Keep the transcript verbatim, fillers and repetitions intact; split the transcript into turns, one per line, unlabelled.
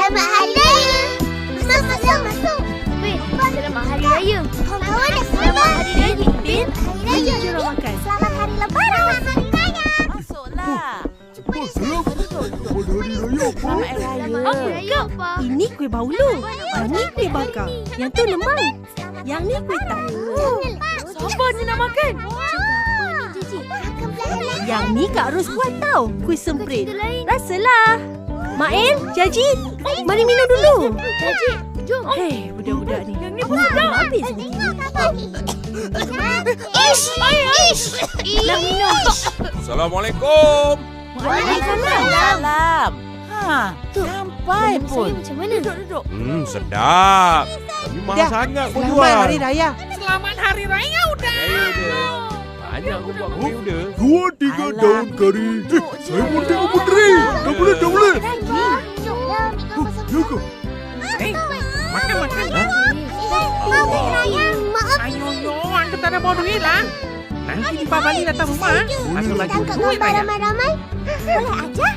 Selamat Hari Raya. Masuk, masuk, masuk.
Bin, selamat Hari Raya.
Mahu nak
Selamat Hari Raya. Bin,
Hari Raya.
Jom makan.
Selamat Hari Lebaran. Selamat Hari Raya.
Masuklah.
Apa salam? Selamat Hari Raya, Pak.
Selamat Hari Raya.
Hari Raya apa?
Ini kuih baulu. Yang ni kuih bakar. Yang tu lemang. Yang ni kuih tahu.
Siapa ni nak makan?
Yang ni Kak Ros buat tau. Kuih semprit.
Cerita lain.
Rasalah. Main, Jaji. Mari minum dulu.
Jaji, jom.
Hei, budak-budak ni.
Yang ni pun sedap.
Habis.
Ish, ish.
Nak minum.
Assalamualaikum.
Waalaikumsalam. Ha, sampai pun.
Macam mana?
Duduk, duduk.
Hmm, sedap. Tapi mahal
Dah.
sangat kau
Selamat
jual.
Hari Raya.
Selamat Hari Raya udah.
Raya dia. Banyak kau buat kopi udah.
Dua tiga
Alah,
daun kari. Eh, saya pun tengok puteri. Dah boleh, dah boleh.
Jomlah, minum pasal
Ya ke?
Eh, makan makan.
Hari Raya. Maaf.
Ayo yo, angka tak ada bawa duit lah. Nanti di Pak Bali datang rumah. Masuk lagi
Tangkap
duit
gambar
banyak.
ramai-ramai. Boleh aja.